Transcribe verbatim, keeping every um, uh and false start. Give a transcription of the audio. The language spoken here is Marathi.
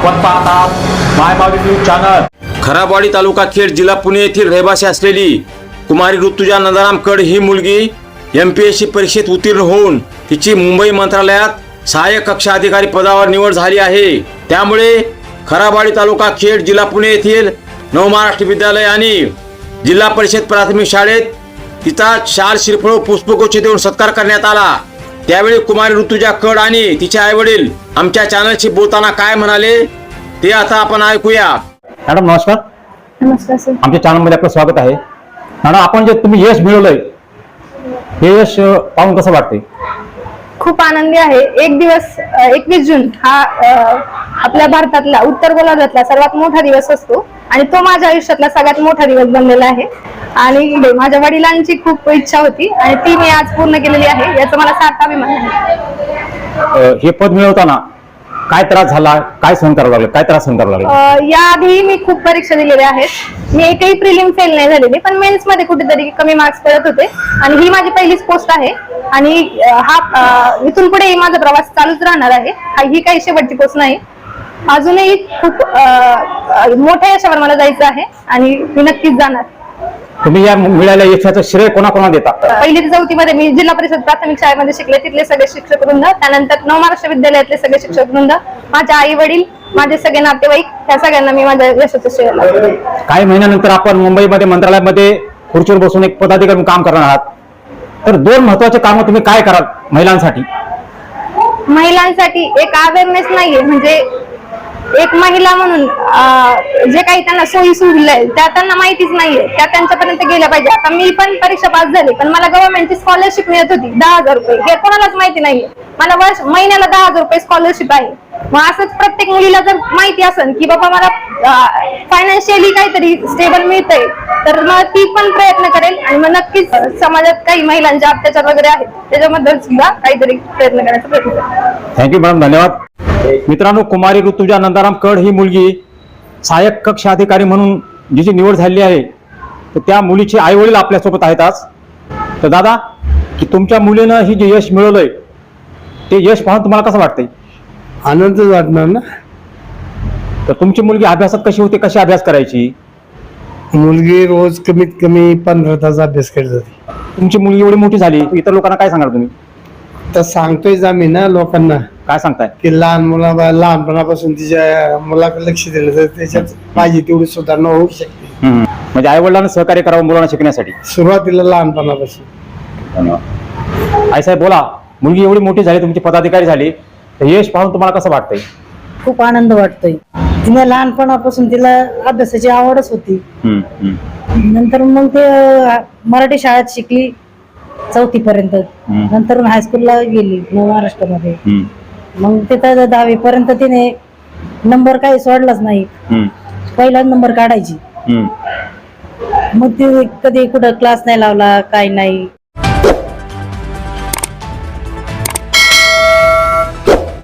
आपण पाहतात मायमावी न्यूज चॅनल। खराबवाडी तालुका खेड जिल्हा पुणे येथील रहिवासी असलेली कुमारी ऋतुजा नंदाराम कड ही मुलगी एमपीएससी परीक्षेत उत्तीर्ण होऊन तिची मुंबई मंत्रालयात सहाय्यक कक्षा अधिकारी पदावर निवड झाली आहे। त्यामुळे खराबवाडी तालुका खेड जिल्हा पुणे येथील नव महाराष्ट्र विद्यालय आणि जिल्हा परिषद प्राथमिक शाळेत तिचा शाल श्रीफळ पुष्पगुच्छ देऊन सत्कार करण्यात आला। त्यावेळी कुमारी ऋतुजा कड आणि तिचे आई वडील आमच्या चॅनलशी बोलताना काय म्हणाले ते आता आपण ऐकूया। मॅडम नमस्कार। नमस्कार सर। आमच्या चॅनल मध्ये आपलं स्वागत आहे। मॅडम आपण जे तुम्ही यश मिळवलंय हे यश पाहून कसं वाटतंय? खूप आनंदी आहे। एक दिवस एकवीस जून हा आपल्या भारतातला उत्तर गोलार्धातला सर्वात मोठा दिवस असतो आणि तो माझ्या आयुष्यातला सगळ्यात मोठा दिवस बनलेला आहे आणि माझ्या वडिलांची खूप इच्छा होती आणि ती मी आज पूर्ण केलेली आहे, याचा मला सार्थ अभिमान आहे। हे पद मिळवताना काय त्रास झाला, काय सहन करावं लागलं, काय त्रास सहन करावं लागला? याआधी मी खूप परीक्षा दिलेल्या आहेत। मी एकही प्रिलिम फेल नाही झालेली, पण मेन्स मध्ये कुठेतरी कमी मार्क्स पडत होते आणि ही माझी पहिलीच पोस्ट आहे आणि हा इथून पुढे माझा प्रवास चालूच राहणार आहे। ही काही शेवटची पोस्ट नाही, अजूनही खूप मोठ्या यशावर मला जायचं आहे आणि मी नक्कीच जाणार। तुम्ही या मिळालेल्या यशाचं श्रेय कोणाकोणाला देता? पहिली ते चौथी मध्ये मी जिल्हा परिषद प्राथमिक शाळेमध्ये शिकले, तिथले सगळे शिक्षक वृंद, त्यानंतर नव महाराष्ट्र विद्यालयातले सगळे शिक्षक वृंद, माझे आई वडील, माझे सगळे नातेवाईक, ह्या सगळ्यांना मी माझ्या यशाचं श्रेय लावतो। काही महिन्यानंतर आपण मुंबईमध्ये मंत्रालयामध्ये खुर्चीवर बसून एक पदाधिकारी काम करणार आहात, तर दोन महत्वाचे कामं तुम्ही काय कराल महिलांसाठी? महिलांसाठी एक अवेअरनेस नाहीये, म्हणजे एक महिला म्हणून जे काही त्यांना सोयी सुविधा आहे त्या त्यांना माहितीच नाहीये, त्या त्यांच्यापर्यंत गेल्या पाहिजे। आता मी पण परीक्षा पास झाली, पण मला गव्हर्नमेंटची स्कॉलरशिप मिळत होती दहा हजार रुपये, हे कोणालाच माहिती नाहीये। मला वर्ष महिन्याला दहा हजार रुपये स्कॉलरशिप आहे। मग असंच प्रत्येक मुलीला जर माहिती असेल की बाबा मला फायनान्शियली काहीतरी स्टेबल मिळतंय, तर मग ती पण प्रयत्न करेल आणि मग नक्कीच समाजात काही महिलांचे अत्याचार वगैरे आहेत त्याच्याबद्दल सुद्धा काहीतरी प्रयत्न करायचा प्रयत्न करेल। थँक्यू मॅडम, धन्यवाद। मित्रांनो, कुमारी ऋतुजा नंदाराम कड ही मुलगी सहाय्यक कक्षा अधिकारी म्हणून जिची निवड झाली आहे, तर त्या मुलीचे आई वडील आपल्यासोबत आहेत आज। तर दादा, की तुमच्या मुलीनं ही जे यश मिळवलंय ते यश पाहून तुम्हाला कसं वाटतंय? आनंदच वाटणार ना। तर तुमची मुलगी अभ्यासात कशी होती, कशी अभ्यास करायची? मुलगी रोज कमीत कमी पंधरा तास अभ्यास करत होती। तुमची मुलगी एवढी मोठी झाली, इतर लोकांना काय सांगाल तुम्ही? तर सांगतोय आम्ही ना लोकांना, काय सांगताय? की लहान मुला लहानपणापासून तिच्या मुलाकडे लक्ष दिलं तर त्याच्यात पाहिजे तेवढी सुधारणा होऊ शकते। म्हणजे आई वडिलांना सहकार्य करावं मुलांना शिकण्यासाठी, सुरुवातीला लहानपणापासून। धन्यवाद। आई साहेब बोला, मुलगी एवढी मोठी झाली, तुमची पदाधिकारी झाली, तर यश पाहून तुम्हाला कसं वाटतंय? खूप आनंद वाटतोय। तिने लहानपणापासून तिला अभ्यासाची आवडच होती, नंतर मग ते मराठी शाळेत शिकली चौथी पर्यंत, नंतर हायस्कूलला गेली नव महाराष्ट्रामध्ये, मग तिथं दहावी पर्यंत तिने नंबर काही सोडलाच नाही, पहिला नंबर काढायची। मग ती कधी कुठं क्लास नाही लावला, काही नाही।